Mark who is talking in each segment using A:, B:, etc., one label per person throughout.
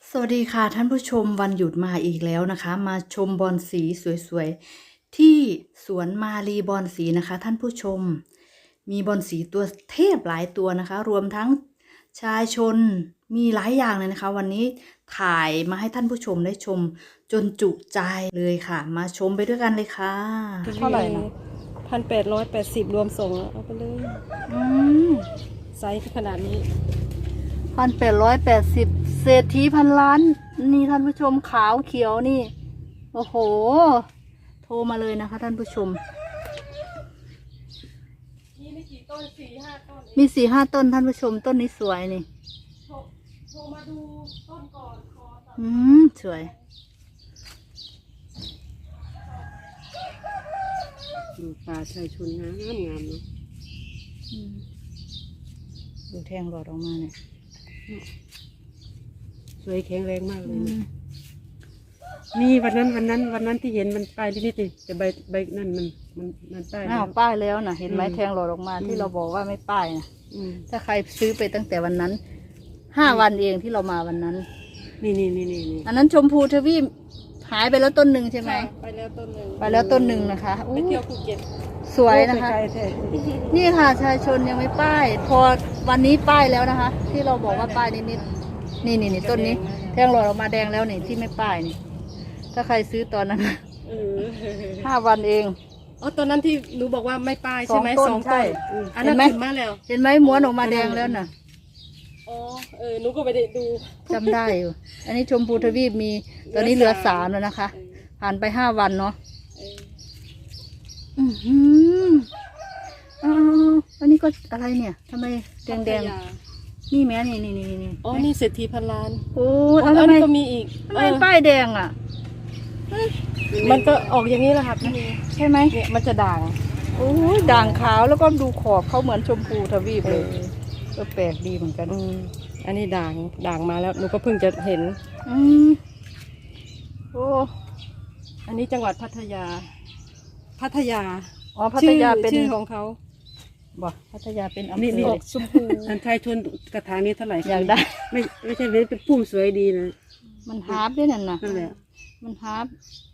A: สวัสดีค่ะท่านผู้ชมวันหยุดมาอีกแล้วนะคะมาชมบอนสีสวยๆที่สวนมาลีบอนสีนะคะท่านผู้ชมมีบอนสีตัวเทพหลายตัวนะคะรวมทั้งชายชนมีหลายอย่างเลยนะคะวันนี้ถ่ายมาให้ท่านผู้ชมได้ชมจนจุใจเลยค่ะมาชมไปด้วยกันเลยค่ะเท่าไหร่นะ
B: 1,880รวมส่งเอาไปเลย
A: อืม
B: ไซส์ขนาดนี้
A: 1,880เศรษฐีพันล้านนี่ท่านผู้ชมขาวเขียวนี่โอ้โหโทรมาเลยนะคะท่านผู้ชม
B: นี่ไม่กี่ต้น4-5 ต้น
A: มี4-5 ต้นท่านผู้ชมต้นนี้สวยนี่
B: โทรมาดูต้นก่อนขอตัด
A: สวย
B: ดูป่าชายชนงามเนาะ
A: ดูแทงหลอดออกมาเนี่ย
B: สวยแข็งแรงมากเลยนี่วันนั้นที่เห็นมันปลายนิดๆแต่ใบนั่นมันป้าย
A: อ้าวป้ายแล้วนะเห็นไหมแทงหลอดออกมาที่เราบอกว่าไม่ป้ายนะถ้าใครซื้อไปตั้งแต่วันนั้น5 วันเองที่เรามาวันนั้น
B: นี่
A: อันนั้นชมพูทวีปหายไปแล้วต้นหนึ่งใช่ไหม
B: ไปแล้วต้นหนึ่ง
A: ไปแล้วต้นหนึ่งนะคะ
B: ไปเที่ยวภูเก็ต
A: สวยนะคะนี่ค่ะชายชนยังไม่ป้ายพอวันนี้ป้ายแล้วนะคะ ที่เราบอกว่าป้ายนิดๆนี่ต้นนี้แทงหลอดออกมาแดงแล้วนี่ที่ไม่ป้ายนี่ถ้าใครซื้อตอนนั้น5 วันเอง
B: อ๋อตอนนั้นที่หนูบอกว่าไม่ป้ายใช่ไหม2 ต้นอันนั้นขึ้นมาแล้ว
A: เห็นไหมม้วนออกมาแดงแล้วน่ะ
B: อ๋อหนูก็ไปได้ดู
A: จำได้อยู่อันนี้ชมพูทวีปมีตอนนี้เหลือ3แล้วนะคะผ่านไป5 วันเนาะอันนี้ก็อะไรเนี่ยทำไมแดงนี่แม่นี่
B: อ๋อนี่เศรษฐีพันล้าน
A: โอ้
B: อันนี้ก็มีอีก
A: ทำไมป้ายแดงอ่ะ
B: มันก็ออกอย่างนี้แหละค่ะพี่
A: ใช่ไหม
B: เนี่ยมันจะด่าง
A: โอ้ยด่างขาวแล้วก็ดูขอบเขาเหมือนชมพูทวีปเลยก็แปลกดีเหมือนกัน
B: อันนี้ด่างมาแล้วหนูก็เพิ่งจะเห็น
A: โอ้
B: อันนี้จังหวัดพัทยา
A: อ๋อพัทยาเป็น
B: ชื่อของเขา
A: บอกพัทยาเป็นอำเภอ
B: ออกชมพูอันไทยชนกระถางนี้เท่าไหร่
A: อยากได้
B: ไม่ใช่เป็นพุ่มสวยดีนะ
A: มันฮาร์ปด้วยนั่นแหละมันฮาร์ป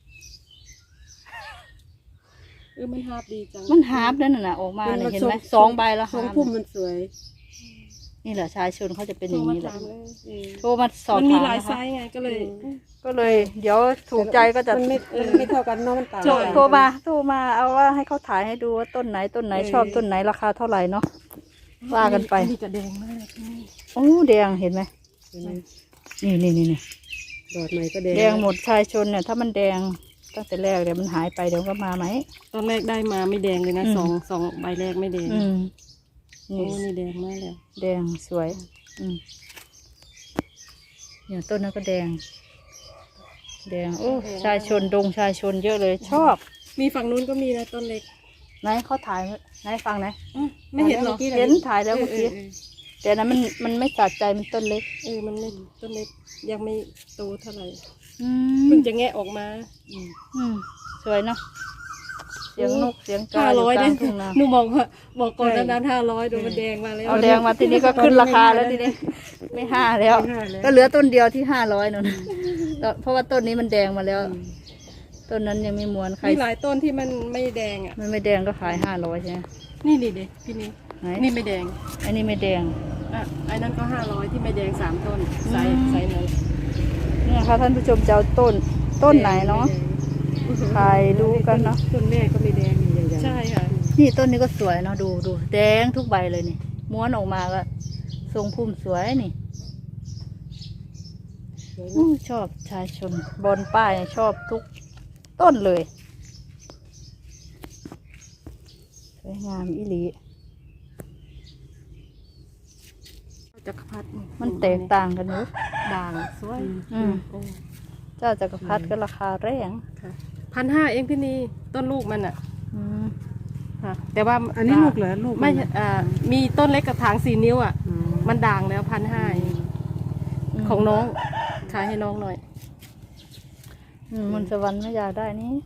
B: มันฮาร์ปดีจัง
A: มันฮาร์ปนั่นน่ะออกมาเห็นไหม2 ใบแล้ว
B: 2 พุ่มมันสวย
A: นี่แหละชายชนเขาจะเป็นอย่างนี้แหละโทรมาสอบถาม
B: มันมีหลายไซส์ไงก็เลย
A: เดี๋ยวถูกใจก็จะ
B: ไม่เท่ากันเนาะมันต่าง
A: โทรมาเอาว่าให้เขาถ่ายให้ดูว่าต้นไหนชอบต้นไหนราคาเท่าไหร่เนาะว่ากันไป
B: นี่จะแดงมาก
A: โอ้แดงเห็นไหมนี่
B: ดอกใหม่ก็แด
A: งหมดชายชนเนี่ยถ้ามันแดงตั้งแต่แรกเดี๋ยวมันหายไปเดี๋ยวก็มาไหม
B: ตอนแรกได้มาไม่แดงเลยนะสองใบแรกไม่แดงนี่แดงมากเลย
A: แดงสวยเนี่ยต้นนั้นก็แดงโอ้ชายชนเยอะเลยชอบ
B: มีฝั่งนู้นก็มีนะต้นเล็ก
A: ไหนเขาถ่ายไหนฟังไหน
B: ไม่เห็นหรอ
A: เห็นถ่ายแล้วเมื่อกี้แต่นั้นมันไม่สะใจมันต้นเล็ก
B: มันไม่ต้นเล็กยังไม่โตเท่าไหร่เพิ่งจะแงะออกมา
A: สวยเนาะเสียงนกเสียงกา
B: 500ได้หนูบอกก่อนนั้น500ดูมันแดงมาแล้ว
A: เอาแดงมาทีนี้ก็ขึ้นราคาแล้วทีนี้ไม่5แล้วก็เหลือต้นเดียวที่500นั่นเพราะว่าต้นนี้มันแดงมาแล้วต้นนั้นยังไม่ม้วนใคร
B: มีหลายต้นที่มันไม่แดงอ่ะ
A: มันไม่แดงก็ขาย500ใช่ไหม
B: นี่เด็กพี่นี่ไม่แดง
A: อันนี้ไม่แดง
B: ไอ้นั่นก็500ที่ไม่แดง3 ต้นไซส์นั้น
A: เนี่ยค่ะท่านผู้ชมจะเอาต้นไหนเนาะถ่ายดูกันเนาะ
B: ต้นแม่ก็ไม่แดงอย่างใช่ค่ะ
A: นี่ต้นนี้ก็สวยเนาะดูแดงทุกใบเลยนี่ม้วนออกมาก็ทรงพุ่มสวยนี่ชอบชายชนบนป้ายชอบทุกต้นเลยสวยงามอีหลี
B: จักรพรรดิ
A: มันแตกต่างกันเนอะ
B: ด่างสวย
A: เจ้าจักรพรรดิก็ราคาแรง
B: 1,500เองพี่นี่ต้นลูกมันอ่ะแต่ว่า
A: อันนี้ลูกเหรอลูก
B: ไม่มีต้นเล็กกระถาง4 นิ้วอ่ะมันด่างแล้ว1,500ของน้องขายให้น้องหน่อย
A: มนต์สวรรค์ไม่อยากได้นี่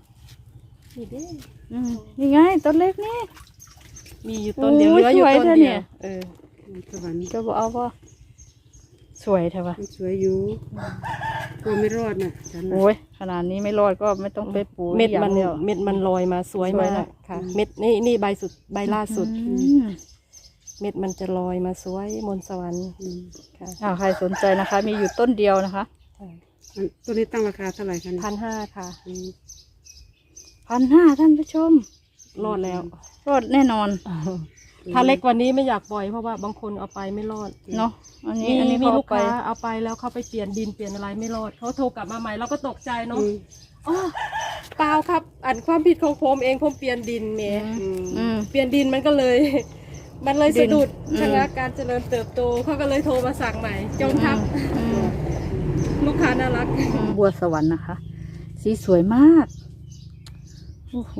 A: นี่ไงต้นเล็กนี่
B: มีอยู่ต้นเดียวเหลืออยู่ต้นเดียว
A: สวรรค์จะบอกเอาป่ะสวยใช่ปะ
B: มันสวยอยู่กลัวไม่รอดน่ะฉันน่ะ
A: โอ้ยขนาดนี้ไม่รอดก็ไม่ต้องไปปลูก
C: เม็ด
A: อย่าง
C: มัน
A: เดียว
C: เม็ดมันลอยมาสวย
A: สวย
C: มา
A: นะ
C: กค่ะ เม็ดนี่ใบสุดใบล่าสุด
A: อืม
C: เม็ดมันจะลอยมาสวยมนต์สวรรค์ค่ะ
A: ใครสนใจนะคะ มีอยู่ต้นเดียวนะคะ
B: ตัวนี้ตั้งราคาเท่าไหร่คะเนี่ย
C: 1,500ค่ะ
B: อืม
A: 1,500ท่านผู้ชม
C: รอดแล้ว
A: รอดแน่นอน
C: ถ้าเล็กกว่านี้ไม่อยากปล่อยเพราะว่าบางคนเอาไปไม่รอด
A: เนาะอันนี้
C: มี
A: อันนี้
C: มี
A: เขา
C: ลู
A: เอา
C: ก
A: ไป
C: ค้าเอาไปแล้วเขาไปเปลี่ยนดินเปลี่ยนอะไรไม่รอดเขาโทรกลับมาใหม่เราก็ตกใจเนาะ
B: อืม
C: อ๋อเปล่าครับอันความผิดของผมเองผมเปลี่ยนดินเม
A: อืม
C: เปลี่ยนดินมันก็เลย มันเลย
A: ดิน
C: สะดุด
A: อืม
C: ชะงักการเจริญเติบโตเขาก็เลยโทรมาสั่งใหม่จงทับ ลูกค้าน่ารัก
A: บัวสวรรค์นะคะ สีสวยมาก โอ้โห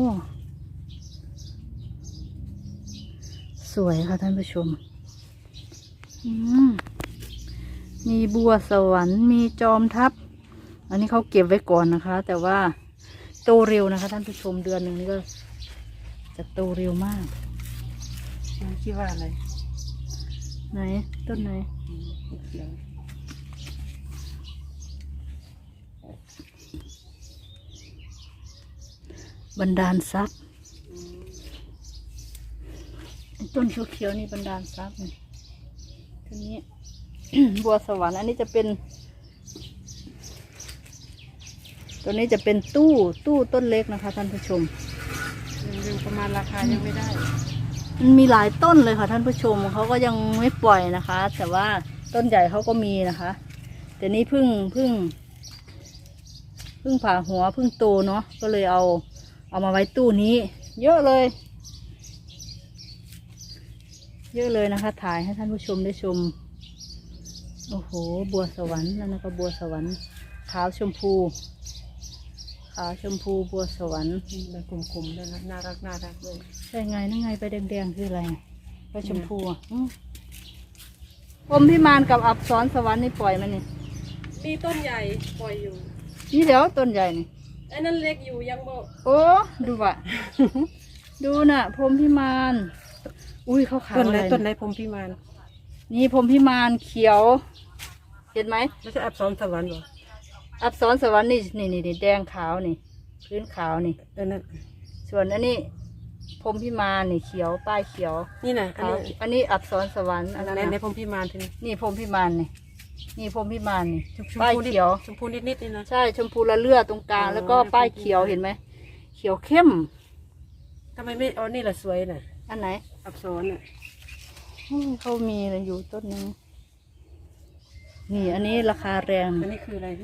A: สวยค่ะท่านผู้ชม อืมมีบัวสวรรค์ มีจอมทัพ อันนี้เขาเก็บไว้ก่อนนะคะ แต่ว่าโตเร็วนะคะ ท่านผู้ชมเดือนหนึ่งนี่ก็จะโตเร็วมาก
B: คิดว่าอะไร
A: ไหน ต้นไหน
B: เขียว
A: บันดาลทรัพย์ต้นเขียวๆนี่บันดาลทรัพย์นี่ต้นนี้ บัวสวรรค์อันนี้จะเป็น ตัวนี้จะเป็นตู้ต้นเล็กนะคะท่านผู้ชม
B: ยังประมาณราคายังไม่ได้
A: มันมีหลายต้นเลยค่ะท่านผู้ชมเขาก็ยังไม่ปล่อยนะคะ แต่ว่าต้นใหญ่เขาก็มีนะคะ แต่นี่เพิ่งผ่าหัวเพิ่งโตเนาะก็เลยเอามาไว้ตู้นี้ เยอะเลย เยอะเลยนะคะ ถ่ายให้ท่านผู้ชมได้ชม โอ้โห บัวสวรรค์นั่นก็บัวสวรรค์ขาวชมพูบัวสวรรค์
B: ใบกลมๆด้วยนะน่ารักด้วย
A: ใช่ไงนั่นไงไปแดงๆคืออะไรไปชมพูอ่ะพรหมพิมานกับอับสรสวรรค์นี่ปล่อยมันนี่
C: มีต้นใหญ่ปล่อยอยู่
A: นี่เดี๋ยวต้นใหญ่นี่
C: ไอ้นั่นเล็กอยู่ยังบ่
A: โอ้ดูว่ะ ดูน่ะพรหมพิมานอุ้ยเขาขาว
B: ต้น
A: อะ
B: ไหน
A: ไร
B: ต้นไหนพรหมพิมาน
A: นี่พรหมพิมานเขียว เห็นไหม
B: ไม่ใช่อับสรสวรรค์เหรอ
A: อับสรสวรรค์นี่แดงขาวนี่พื้นขาวนี่
B: นั่น
A: ส่วนอันนี้พรหมพิมานนี่เขียวป้ายเขียว
B: นี่นะ
A: ขาวอันนี้อับสรสวรรค์อันนั้น
B: ใน
A: น่ะ
B: พรหมพิมานทีนี้
A: นี่พรหมพิมานนี่พรหมพิมานนี่
B: ชม
A: ป้าย
B: พูนิด
A: เขียว
B: ชมพูนิดนี่นะ
A: ใช่ชมพูละเลือดตรงกลาง
B: อ๋อ
A: แล้วก็ป้ายเขียวเห็นไหมเขียวเข้ม
B: ทำไมไม่เอานี่ละสวยน่ะ
A: อันไหน
B: อับสรน่ะ
A: เขามีอยู่ต้นนึงนี่อันนี้ราคาแรง
B: อันนี้คืออะไรนะ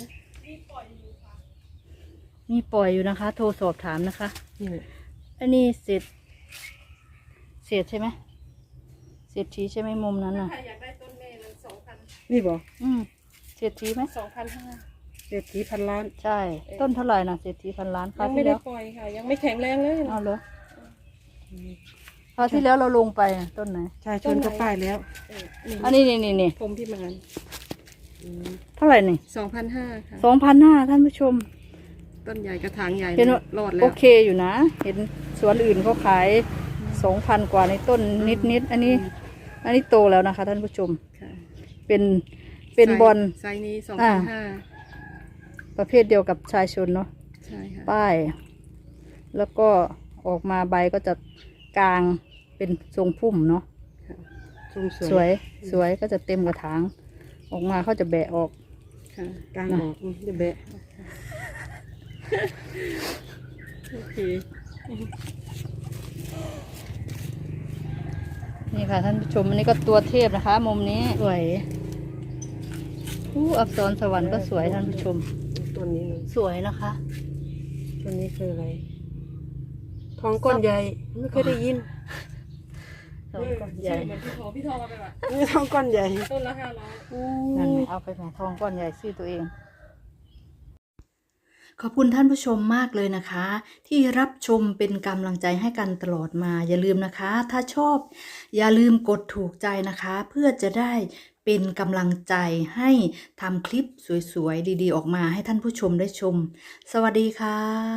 A: มีปล่อยอยู่นะคะ โทรสอบถามนะคะ
B: นี่แหละ
A: อันนี้เศษใช่ไหมเศษทีใช่ไหมมุมนั้นน่ะ
C: ใครอยากได้ต้นแม่มัน2,000
B: นี่บอก
A: เศษทีไหม
C: 2,500
B: เศรษฐีพันล้าน
A: ใช่ ต้นเท่าไหร่นะเศษที1,000,000คราว
C: ยังไม่
A: ที่
C: ได้
A: แล้ว
C: ปล่อยค่ะ ยังไม่แข็งแรงเลย
A: เอาเหรอคราวที่แล้วเราลงไปน่ะต้นไหน
B: ใช่ชนก็ป้ายแล้ว
A: อันนี้นี่
C: ผมพิมาน
A: เท่าไหร่นี่
C: 2,500ค่ะ
A: 2,500ท่านผู้ชม
C: ต้นใหญ่กระถางใหญ่
A: เห็นว่าร
C: อดแล้
A: โอ
C: ว
A: เคอยู่นะ เห็นสวนอื่นเขาขาย 2,000 กว่าในต้นนิดอันนี้โตแล้วนะคะ ท่านผู้ชม
C: ค่ะ
A: เป็นบอล
C: ไซส์นี้
A: อ่า
C: 2,500
A: ประเภทเดียวกับชายชนเนาะ
C: ใช่ค่ะ
A: ป้าย แล้วก็ออกมาใบก็จะกลางเป็นทรงพุ่มเนาะ
B: ทรง
A: สวยก็จะเต็มกระถาง ออกมาเขาจะแบะออก
B: ค่ะกลางออกจะแบะ
C: โอเค
A: นี่ค่ะท่านผู้ชมอันนี้ก็ตัวเทพนะคะ มุมนี้สวยอับสรสวรรค์ก็สวยท่านผู้ชม
B: ต้นนี้เลย
A: สวยนะคะ
B: ต้นนี้คืออะไร ทองก้อนใหญ่ไม่เคยได้ยิน
A: ทองก้อนใหญ่
C: เหมือนพี่ทองเอาไปแบบ
B: นี่ทองก้อนใหญ่
C: ต้นละ500
A: นั่นไงเอาไปแหมทองก้อนใหญ่ชื่อตัวเอง ขอบคุณท่านผู้ชมมากเลยนะคะ ที่รับชมเป็นกำลังใจให้กันตลอดมาอย่าลืมนะคะ ถ้าชอบอย่าลืมกดถูกใจนะคะ เพื่อจะได้เป็นกำลังใจให้ทำคลิปสวยๆดีๆออกมาให้ท่านผู้ชมได้ชม สวัสดีค่ะ